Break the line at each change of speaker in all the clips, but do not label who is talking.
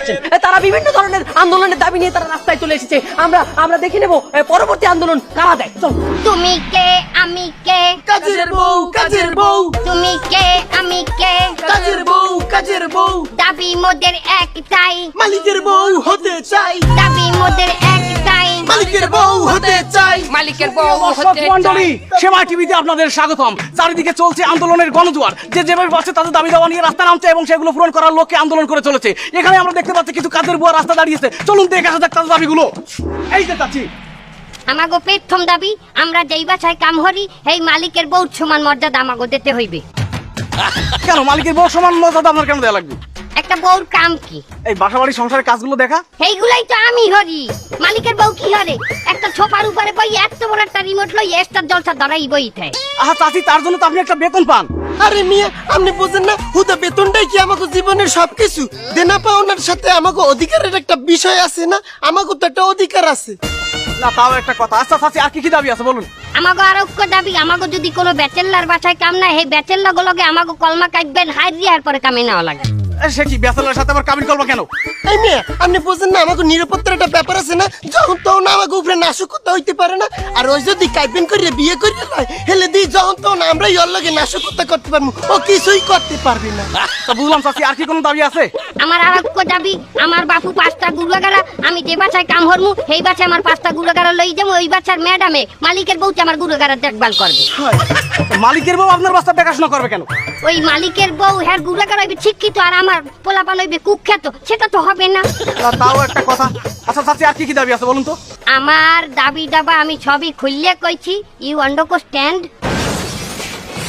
আসছেন। তারা বিভিন্ন ধরনের আন্দোলনের দাবি নিয়ে তারা রাস্তায় চলে এসেছে। আমরা দেখে নেব পরবর্তী আন্দোলন কারা দেয়। চল।
তুমি কে আমি কে,
কাজের বউ কাজের বউ,
তুমি কে আমি কে,
কাজের বউ কাজের বউ,
দাবি মোদের একটাই,
মালিকের বউ হতে চাই,
দাবি মোদের একটাই,
মালিকের বউ হতে চাই।
মালিকের বউ
দর্শক মণ্ডলী, সেবা টিভিতে আপনাদের স্বাগতম। চারিদিকে চলছে আন্দোলনের গণজোয়ার। যে যেভাবে পাচ্ছে তাদের দাবি দাওয়া নিয়ে রাস্তা নামছে এবং সেগুলো পূরণ করার লক্ষ্যে আন্দোলন করে চলেছে। এখানে আমরা দেখতে পাচ্ছি কিছু কাজের বুয়া রাস্তা দাঁড়িয়েছে। চলুন দেখে আসা যাক তাদের দাবিগুলো। এই যে চাচ্ছি,
আমাগো প্রথম দাবি, আমরা যেই বাসায় কাম করি এই মালিকের বউ সমান মর্যাদা আমাগো দিতে হইবে।
কেন মালিকের বউ সমান মর্যাদা আপনার কেন দেওয়া লাগবে?
একটা বউর কাম কি?
এই বাসাবাড়ি সংসারের কাজগুলো দেখা।
এইগুলাই তো আমি হরি। মালিকের বউ কি হরে? একটা ছোপার উপরে বই এত বড় একটা রিমোট লই এস্টার জলসা ধরাই বইতে।
আহা চাচি, তার জন্য তো আপনি একটা বেতন পান।
আরে মিয়া, আপনি বুঝেন না হুদা বেতনটাই কি আমাকে জীবনের সবকিছু? দেনা পাওনার সাথে আমাকে অধিকারের একটা বিষয় আছে না? আমাকে তো একটা অধিকার আছে।
না তাও একটা কথা। আচ্ছা চাচি, আর কি কি দাবি আছে বলুন।
আমাগো আরোগ্য দাবি, আমাগো যদি কোনো ব্যাচেলার বাসায় কাম না এই ব্যাচেলার গুলোকে আমাগো কলমা কাটবেন হাইরিয়ার পরে কামে নেওয়া লাগে।
সে কি ব্যাচেলারের সাথে আবার কাবিন করবো কেন?
এই মিয়া, আপনি বুঝেন না আমাকে নিরাপত্তার একটা ব্যাপার আছে না? যখন তখন আমাকে উপরে নাশকতা হইতে পারে না। আর ওই যদি কাইবেন করিয়ে বিয়ে করিয়ে লয় হেলে দিই, যখন তখন আমরাই ওর লগে নাশকতা করতে পারবো, ও কিছুই করতে পারবে না।
তা বুঝলাম চাচি, আর কি কোনো দাবি আছে?
আমার আরোগ্য দাবি, আমার বাপু 5টা গুলাগারা, আমি যে বাসায় কাম হরমু সেই বাসায় আমার 5টা গুলাগারা লই যাবো। ওই বাসার ম্যাডামে মালিকের বউটা আমার গুলাগারা দেখভাল করবে।
মালিকের বউ আপনার বাচ্চা দেখাশোনা করবে কেন?
ওই মালিকের বউ হ্যাঁ গুলাগার হইবে শিক্ষিত আর আমার পোলাপান হইবে কুখ্যাত, সেটা তো হবে না।
তাও একটা কথা। আচ্ছা চাচি, আর কি কি দাবি আছে বলুন তো।
আমার দাবি দাবা আমি সবই খুললে কইছি, ইউ আন্ডারস্ট্যান্ড?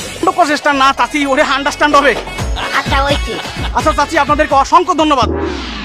প্রচেষ্টা না চাচি, ওরে আন্ডারস্ট্যান্ড হবে।
আচ্ছা ওইছি।
আচ্ছা চাচি, আপনাদেরকে অসংখ্য ধন্যবাদ।